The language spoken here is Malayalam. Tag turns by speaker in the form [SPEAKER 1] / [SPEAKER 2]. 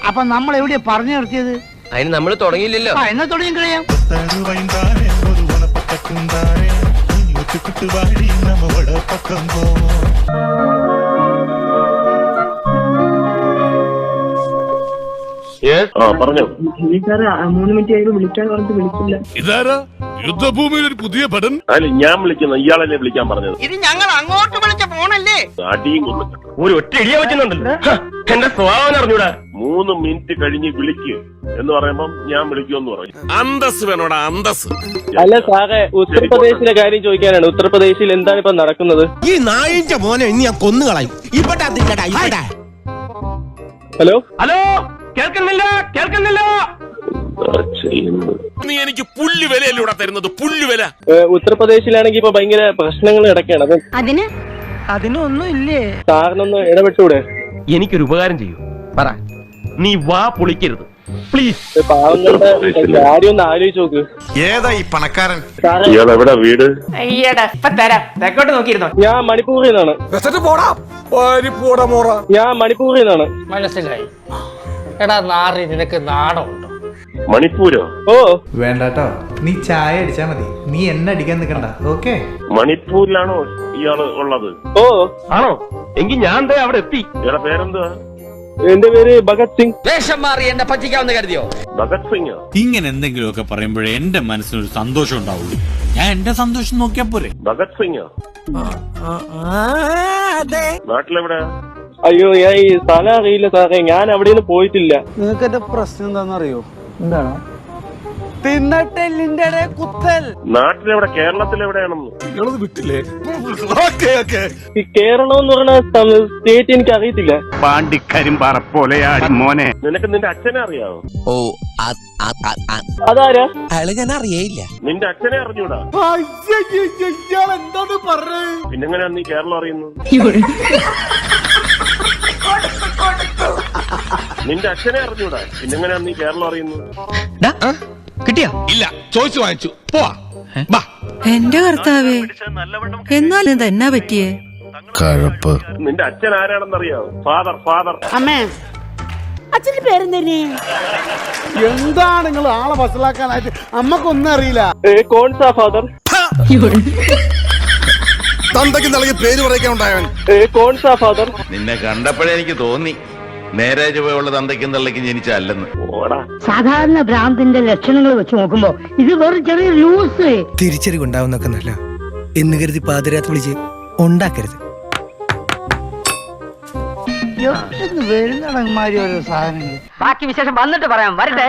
[SPEAKER 1] അപ്പൊ നമ്മൾ എവിടെയാ പറഞ്ഞു നിർത്തിയത്?
[SPEAKER 2] അതിന് നമ്മൾ തുടങ്ങിയില്ലല്ലോ.
[SPEAKER 1] എന്നാ തുടങ്ങി കഴിയാം.
[SPEAKER 3] പറഞ്ഞു
[SPEAKER 4] 3 മിനിറ്റ് ആയി വിളിക്കാൻ പറഞ്ഞിട്ട് വിളിച്ചില്ല.
[SPEAKER 5] ഇതാരാ യുദ്ധഭൂമിയിൽ ഒരു പുതിയ പടൻ?
[SPEAKER 3] അല്ല ഞാൻ വിളിക്കുന്ന ഇയാളല്ലേ വിളിക്കാൻ പറഞ്ഞത്.
[SPEAKER 1] ഇത് ഞങ്ങൾ അങ്ങോട്ട് വിളിച്ച ഫോണല്ലേ?
[SPEAKER 3] അടിയും കൊണ്ടു
[SPEAKER 2] ഒരു ഒറ്റ ഇടിയ വെച്ചിട്ടുണ്ടല്ലോ. എന്റെ സ്വഭാവം അറിഞ്ഞൂടാ.
[SPEAKER 3] 3 മിനിറ്റ് കഴിഞ്ഞ് വിളിക്ക് എന്ന് പറയുമ്പം ഞാൻ വിളിക്കുമെന്ന് പറഞ്ഞു.
[SPEAKER 5] അന്തസ് വേണോടാ, അന്തസ്.
[SPEAKER 6] അല്ല സാറേ, ഉത്തർപ്രദേശിലെ കാര്യം ചോദിക്കാനാണ്. ഉത്തർപ്രദേശിൽ എന്താണ് ഇപ്പൊ നടക്കുന്നത്?
[SPEAKER 7] ഈ നായിന്റെ മോനെ ഇനി ഞാൻ കൊന്നുകളയും.
[SPEAKER 6] ഹലോ
[SPEAKER 2] ഹലോ, കേൾക്കുന്നില്ല കേൾക്കുന്നില്ല.
[SPEAKER 5] നീ എനിക്ക് പുല്ല് വിലയല്ലൂടെ തരുന്നത്, പുല്ല് വില.
[SPEAKER 6] ഉത്തർപ്രദേശിലാണെങ്കിൽ ഇപ്പൊ ഭയങ്കര പ്രശ്നങ്ങൾ കിടക്കുകയാണ്. അത്
[SPEAKER 1] അതിനൊന്നും ഇല്ലേ?
[SPEAKER 6] സാറിനൊന്ന് ഇടപെട്ടൂടെ?
[SPEAKER 2] എനിക്കൊരു ഉപകാരം ചെയ്യൂ, പറ. നീ വാ പൊളിക്കരുത് പ്ലീസ്.
[SPEAKER 6] പാവങ്ങളുടെ കാര്യം ഒന്ന് ആലോചിച്ച് നോക്ക്.
[SPEAKER 7] ഏതാ ഈ പണക്കാരൻ?
[SPEAKER 6] സാറേ,
[SPEAKER 3] ഇയാൾ എവിടെ വീട്?
[SPEAKER 2] തെക്കോട്ട് നോക്കിയിരുന്നോ?
[SPEAKER 6] ഞാൻ മണിപ്പൂരിൽ നിന്നാണ്. ഞാൻ മണിപ്പൂരിൽ നിന്നാണ്.
[SPEAKER 8] മനസ്സിലായി. എടാ നാറി, നിനക്ക് നാണമുണ്ടോ?
[SPEAKER 3] മണിപ്പൂരോ?
[SPEAKER 6] ഓ
[SPEAKER 9] വേണ്ടാട്ടോ, നീ ചായ അടിച്ചാ മതി. നീ എന്നെ അടിക്കാൻ നിൽക്കണ്ട. ഓക്കെ,
[SPEAKER 3] മണിപ്പൂരിലാണോ ഇയാള് ഉള്ളത്?
[SPEAKER 6] ഓ
[SPEAKER 2] ആണോ? എങ്കിൽ ഞാൻ ദേ അവിടെ എത്തി.
[SPEAKER 3] ഇയാളുടെ പേരെന്തുവാ?
[SPEAKER 6] എന്റെ പേര് ഭഗത് സിംഗ്.
[SPEAKER 2] വേഷം മാറി എന്നെ പറ്റിക്കാവുന്ന കരുതിയോ?
[SPEAKER 3] ഭഗത് സിംഗ്.
[SPEAKER 10] ഇങ്ങനെ എന്തെങ്കിലുമൊക്കെ പറയുമ്പോഴേ എന്റെ മനസ്സിനൊരു സന്തോഷം ഉണ്ടാവുള്ളൂ. ഞാൻ എന്റെ സന്തോഷം നോക്കിയാ പോരെ.
[SPEAKER 3] ഭഗത് സിംഗ് നാട്ടിലെവിടെ?
[SPEAKER 6] അയ്യോ, ഞാൻ ഈ സ്ഥലം അറിയില്ല സാറേ. ഞാൻ അവിടെ നിന്ന് പോയിട്ടില്ല.
[SPEAKER 1] നിങ്ങൾക്ക് എന്റെ പ്രശ്നം എന്താണെന്നറിയോ? എന്താണ്? തിന്നട്ടെല്ലിന്റെ കുത്തൽ.
[SPEAKER 3] നാട്ടിലെവിടെ? കേരളത്തിലെവിടെയാണെന്ന്
[SPEAKER 5] വിട്ടില്ലേ?
[SPEAKER 6] ഈ കേരളം എന്ന് പറയുന്ന സ്റ്റേറ്റ് എനിക്ക് അറിയത്തില്ല.
[SPEAKER 10] പാണ്ടിക്കരിമ്പാറ പോലെയാടി മോനെ.
[SPEAKER 3] നിനക്ക് നിന്റെ അച്ഛനെ അറിയാവോ?
[SPEAKER 7] ഓ,
[SPEAKER 6] അതാരാ?
[SPEAKER 7] അയാളെ ഞാൻ അറിയേയില്ല.
[SPEAKER 3] നിന്റെ അച്ഛനെ അറിഞ്ഞൂടാ? പിന്നെങ്ങനെയാ നീ കേരളം അറിയുന്നു? നിന്റെ അച്ഛനെ അറിഞ്ഞൂടാ? പിന്നെങ്ങനെയാ നീ കേരളം അറിയുന്നു?
[SPEAKER 2] കിട്ടിയാ?
[SPEAKER 5] ഇല്ല, ചോദിച്ചു വാങ്ങിച്ചു. പോവാ.
[SPEAKER 11] എന്റെ കർത്താവേ, എന്നാലും തന്നെ പറ്റിയേ?
[SPEAKER 7] കഴപ്പ്.
[SPEAKER 3] നിന്റെ അച്ഛൻ ആരാണെന്നറിയാവോ? ഫാദർ.
[SPEAKER 1] അമ്മേ, അച്ഛന്റെ പേരെന്തന്നെ? എന്താണ് നിങ്ങൾ ആളെ വസലാക്കാനായിട്ട്? അമ്മക്കൊന്നും അറിയില്ല.
[SPEAKER 6] കോൺസാ ഫാദർ?
[SPEAKER 5] തന്തയ്ക്ക് നൽകി പേര് പറയിക്കാൻ ഉണ്ടായവൻ.
[SPEAKER 6] കോൺസാ ഫാദർ?
[SPEAKER 10] നിന്നെ കണ്ടപ്പോഴേ എനിക്ക് തോന്നി നേരെ ചുവയുള്ള തന്തയ്ക്കും തള്ളയ്ക്കും ജനിച്ചല്ലെന്ന്.
[SPEAKER 11] സാധാരണ ഭ്രാന്തിന്റെ ലക്ഷണങ്ങൾ വെച്ച് നോക്കുമ്പോ ഇത് വെറും ചെറിയ ലൂസ്.
[SPEAKER 7] തിരിച്ചറിവുണ്ടാവുന്നൊക്കെ നല്ല എന്ന് കരുതി പാതിരാത്രി വിളിച്ച് ഉണ്ടാക്കരുത്.
[SPEAKER 1] വരുന്നടങ്ങന്മാരി ഓരോ സാധനങ്ങൾ.
[SPEAKER 11] ബാക്കി വിശേഷം വന്നിട്ട് പറയാം. വരട്ടെ.